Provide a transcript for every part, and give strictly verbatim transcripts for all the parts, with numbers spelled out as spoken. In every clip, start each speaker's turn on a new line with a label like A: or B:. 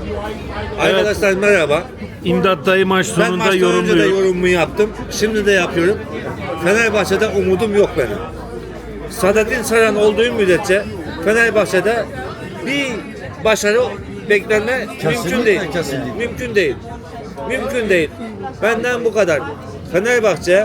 A: Arkadaşlar merhaba.
B: İmdat dayı maç
A: Ben
B: sonunda
A: maçtan önce de
B: yorumluyor.
A: yorumumu yaptım. Şimdi de yapıyorum. Fenerbahçe'de umudum yok benim. Saadettin Saran olduğu müddetçe Fenerbahçe'de bir başarı beklenme mümkün değil.
C: kesinlikle.
A: Mümkün değil. Mümkün değil. Benden bu kadar. Fenerbahçe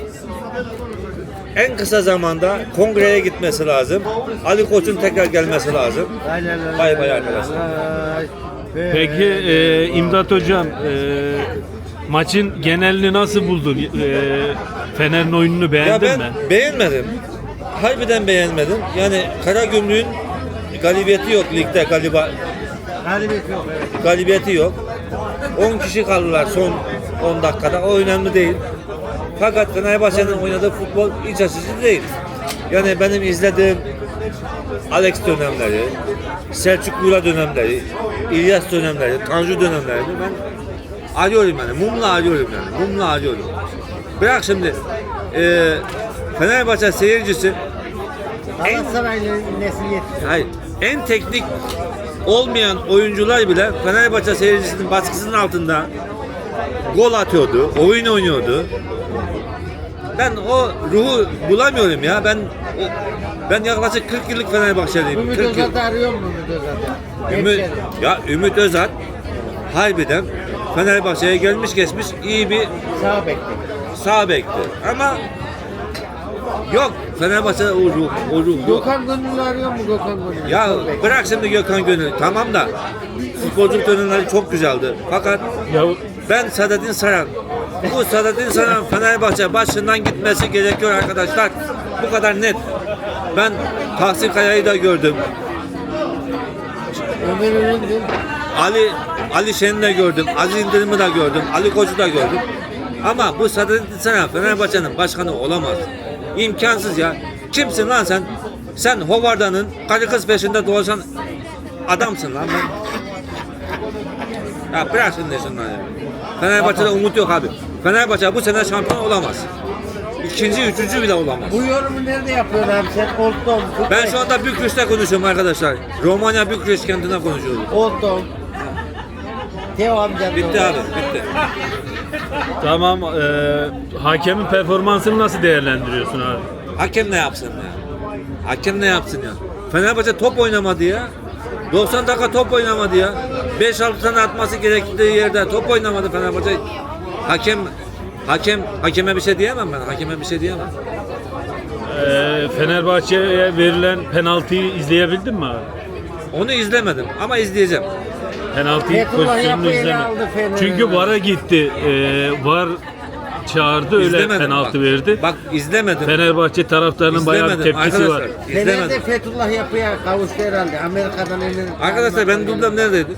A: en kısa zamanda kongreye gitmesi lazım. Ali Koç'un tekrar gelmesi lazım. Bay bay arkadaşlar.
B: Peki e, İmdat hocam e, maçın genelini nasıl buldun? E, Fener'in oyununu
A: Ya
B: beğendin
A: ben
B: mi?
A: beğenmedim. Harbiden beğenmedim. Yani Karagümrük'ün galibiyeti yok ligde galiba.
C: Galibiyet yok, evet.
A: Galibiyeti yok. on kişi kaldılar son on dakikada. O önemli değil. Fakat Fenerbahçe'nin oynadığı futbol iç açıcı değil. Yani benim izlediğim Alex dönemleri, Selçuk Lura dönemleri, İlyas dönemleri, Tanju dönemlerini ben arıyorum yani. Mumla arıyorum yani. Mumla arıyorum. Bırak şimdi e, Fenerbahçe seyircisi
C: Galatasaray'la nesil yetişti.
A: hayır, en teknik olmayan oyuncular bile Fenerbahçe seyircisinin baskısının altında gol atıyordu, oyun oynuyordu. Ben o ruhu bulamıyorum ya. Ben o, ben yaklaşık kırk yıllık Fenerbahçeliyim.
C: Ümit
A: kırk yıl.
C: Özat'ı arıyor mu Ümit Özat'ı?
A: Ümit,
C: Hemşerim.
A: ya Ümit Özat harbiden Fenerbahçe'ye gelmiş geçmiş iyi bir
C: Sağ bekle.
A: sağ bekti. Ama yok Fenerbahçe'de o ruh, o ruh yok.
C: Gökhan Gönül'ü arıyor mu Gökhan Gönül'ü?
A: Ya
C: Sol bek.
A: bırak şimdi Gökhan Gönül. Tamam da futbolculuk dönemleri çok güzeldi. Fakat
B: Ya,
A: ben Saadettin Saran. Bu Saadettin Saran Fenerbahçe başından gitmesi gerekiyor arkadaşlar. Bu kadar net. Ben Tahsin Kaya'yı da gördüm.
C: Ömer Üründür.
A: Ali Ali Şen'i de gördüm. Aziz Yıldırım'ı da gördüm. Ali Koç'u da gördüm. Ama bu Saadettin Saran Fenerbahçe'nin başkanı olamaz. İmkansız ya. Kimsin lan sen? Sen Hovarda'nın karı kız peşinde dolaşan adamsın lan ben. Ya bırak şimdi şunları ya. Fenerbahçe'de umut yok abi. Fenerbahçe bu sene şampiyon olamaz. İkinci, üçüncü bile olamaz.
C: Bu yorumu nerede yapıyor abi sen? Oldum.
A: Ben şu anda Bükreş'te konuşuyorum arkadaşlar. Romanya Bükreş kentine konuşuyorum.
C: Oldum. Teo amcanın
A: Bitti
C: oğlu.
A: abi, bitti.
B: tamam. E, hakemin performansını nasıl değerlendiriyorsun abi?
A: Hakem ne yapsın ya? Hakem ne yapsın ya? Fenerbahçe top oynamadı ya. doksan dakika top oynamadı ya. beş altı tane atması gerektiği yerde top oynamadı Fenerbahçe. Hakem hakem hakeme bir şey diyemem ben. Hakeme bir şey diyemem.
B: E, Fenerbahçe'ye verilen penaltıyı izleyebildin mi abi?
A: Onu izlemedim ama izleyeceğim.
B: Penaltıyı
C: Fethullah
B: pozisyonunu
C: Yapı ele
B: izleme.
C: aldı Fener'i.
B: Çünkü VAR'a gitti. E, VAR çağırdı öyle
A: İzlemedim.
B: penaltı
A: bak,
B: verdi.
A: Bak izlemedim.
B: Fenerbahçe taraftarının bayağı bir
A: İzlemedim
B: tepkisi var.
A: arkadaşlar.
C: Fener'de
A: İzlemedim.
C: Fethullah Yapı'ya kavuştu herhalde. Amerika'dan emin.
A: Arkadaşlar benim dublem neredeydi?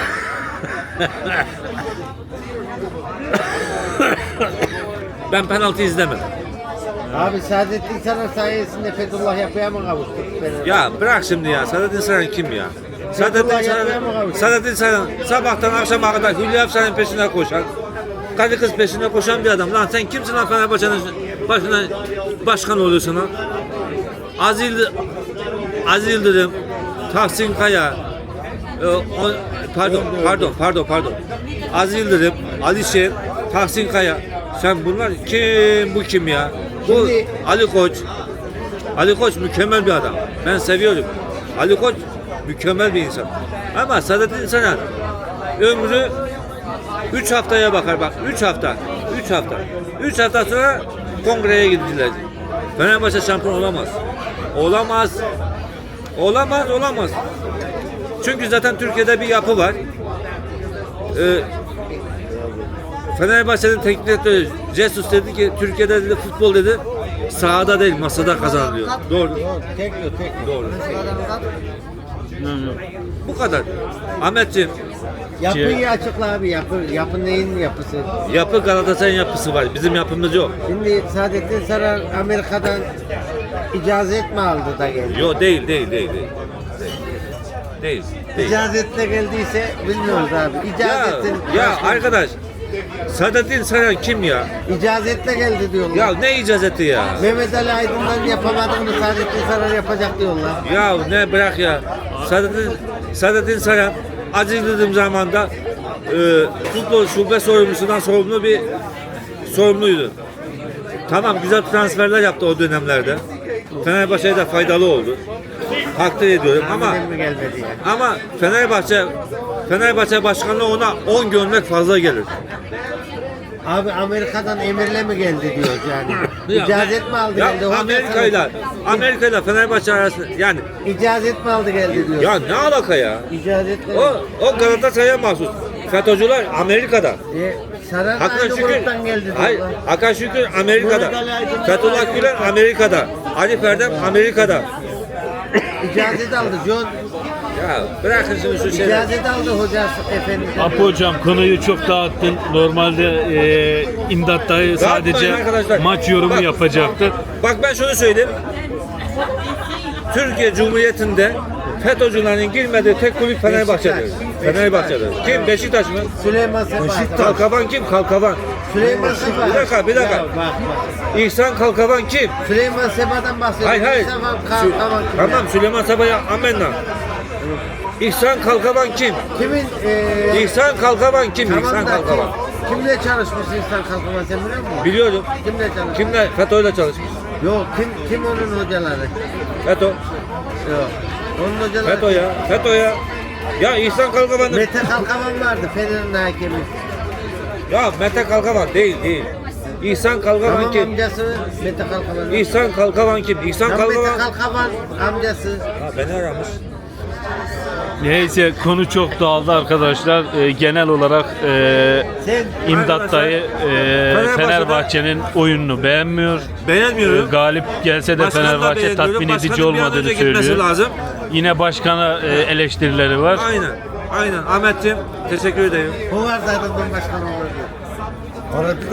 A: Ben penaltı izlemedim.
C: Abi Saadettin Saran sayesinde Fethullah Yapı'ya mı kavuştu? Fener?
A: Ya bırak şimdi ya. Saadettin Saran kim ya? Saadettin Saran, Saadettin Saran sabahtan akşama kadar Hülya Efsa'nın peşine koşan, karı kız peşine koşan bir adam. Lan sen kimsin lan Fenerbahçe'nin başına başkan oluyorsun lan? Aziz, Aziz Yıldırım, Tahsin Kaya, e, o, pardon, pardon, pardon, pardon. Aziz Yıldırım, Ali Şen, Tahsin Kaya. Sen bunlar kim, bu kim ya? Bu
C: Şimdi-
A: Ali Koç. Ali Koç mükemmel bir adam. Ben seviyorum. Ali Koç mükemmel bir insan. Ama Saadettin Saran ömrü üç haftaya bakar bak. üç hafta. üç hafta. üç hafta sonra kongreye gittiler. Fenerbahçe şampiyon olamaz. Olamaz. Olamaz, olamaz. Çünkü zaten Türkiye'de bir yapı var. Ee, Fenerbahçe'nin teknik direktörü Jesus dedi ki Türkiye'de dedi futbol dedi sahada değil masada kazanılıyor. Doğru.
C: Yok, tek yok, tek yok.
A: Doğru.
B: Hı hı.
A: Bu kadar. Ahmetciğim,
C: Yapıyı açıkla abi. Yapı, yapı neyin yapısı?
A: yapı Galatasaray'ın yapısı var. Bizim yapımız yok.
C: Şimdi Saadettin Saran Amerika'dan icazet mi aldı da geldi?
A: Yok değil, değil, değil, değil. Değil. Değil.
C: İcazetle geldiyse bilmiyoruz abi.
A: Ya,
C: İcazetin
A: ya
C: başka-
A: arkadaş, Saadettin Saran kim ya?
C: İcazetle geldi diyorlar.
A: Ya ne icazeti ya?
C: Mehmet Ali Aydın'dan yapamadığını Saadettin Saran yapacak diyorlar.
A: Ya ne bırak ya. Saadettin, Saadettin Saran acıldığım zaman da e, futbol şube sorumlusundan sorumlu bir sorumluydu. Tamam, güzel transferler yaptı o dönemlerde. Fenerbahçe'ye de faydalı oldu. Takdir ediyorum ama
C: Tahminen mi gelmedi yani?
A: ama Fenerbahçe Fenerbahçe başkanlığı ona on gömlek fazla gelir.
C: Abi Amerika'dan emirle mi geldi diyoruz yani.
A: Ya,
C: İcazet mi aldı
A: ya
C: geldi? Hoca
A: Amerika'yla
C: sana-
A: Amerika'yla Fenerbahçe arasında yani
C: İcazet mi aldı geldi diyor.
A: ya ne alaka ya?
C: İcazet mi?
A: O o Galatasaray'a mahsus. FETÖ'cüler Amerika'da.
C: E, Saran
A: Hakan
C: aynı
A: Şükür,
C: gruptan geldi
A: hayır,
C: diyorlar.
A: Hakan Şükür Amerika'da. Fethullah Gülen Amerika'da. Ali Ferdem Amerika'da.
C: İcazet aldı John.
A: Ya bırakın şimdi şu şeyleri.
C: İcazet aldı hocası efendim.
B: Apo hocam konuyu çok dağıttın. Normalde e, İmdat dayı
A: Dağıtmayın
B: sadece
A: arkadaşlar.
B: maç yorumu
A: Bak,
B: yapacaktı.
A: Bak ben şunu söyleyeyim. Türkiye Cumhuriyeti'nde FETÖ'cülerin girmediği tek kulüp Fenerbahçe'dir.
C: Beşiktaş.
A: Fenerbahçe'dir. Kim? Beşiktaş mı?
C: Süleyman Sefa.
A: Kalkavan kim? Kalkavan.
C: Süleyman Sefa.
A: Bir dakika, bir dakika.
C: Ya bak bak.
A: İhsan Kalkavan kim?
C: Süleyman Sefa'dan bahsediyor.
A: Hayır hayır.
C: Sefa
A: Sü-
C: Kalkavan kim
A: Tamam,
C: ya?
A: Süleyman Sabah'a amenna. İhsan Kalkavan kim?
C: Kimin eee
A: İhsan Kalkavan kim?
C: tamam
A: İhsan
C: da
A: Kalkavan.
C: kim- kimle çalışmış İhsan Kalkavan sen biliyor musun?
A: Biliyorum.
C: Kimle çalışmış?
A: Kimle? FETÖ'yle çalışmış.
C: Yok kim kim onun hocaları?
A: FETÖ.
C: Yok. Onun hocaları.
A: FETÖ ya. FETÖ ya. Ya İhsan Kalkavan'ın...
C: Mete Kalkavan vardı Fener'in hakemi.
A: Ya Mete Kalkavan değil değil. İhsan Kalkavan
C: Tamam
A: kim?
C: amcası Mete Kalkavan.
A: İhsan Kalkavan kim? İhsan
C: Tam Mete
A: Kalkavan...
C: Kalkavan amcası.
A: Ha, beni aramış.
B: Neyse konu çok dağıldı arkadaşlar. E, genel olarak e,
C: Sen
B: İmdat dayı e,
A: Fenerbahçe'de-
B: Fenerbahçe'nin oyununu beğenmiyor. E,
A: Beğenmiyorum.
B: galip gelse de
A: Başkanı da
B: Fenerbahçe
A: beğenmiyorum.
B: tatmin edici
A: Başkanın bir an
B: olmadığını
A: önce gitmesi
B: söylüyor.
A: lazım.
B: Yine başkana e, eleştirileri var.
A: Aynen. Aynen. Ahmetciğim teşekkür ederim.
C: bu var zaten başkan olurdu. Orada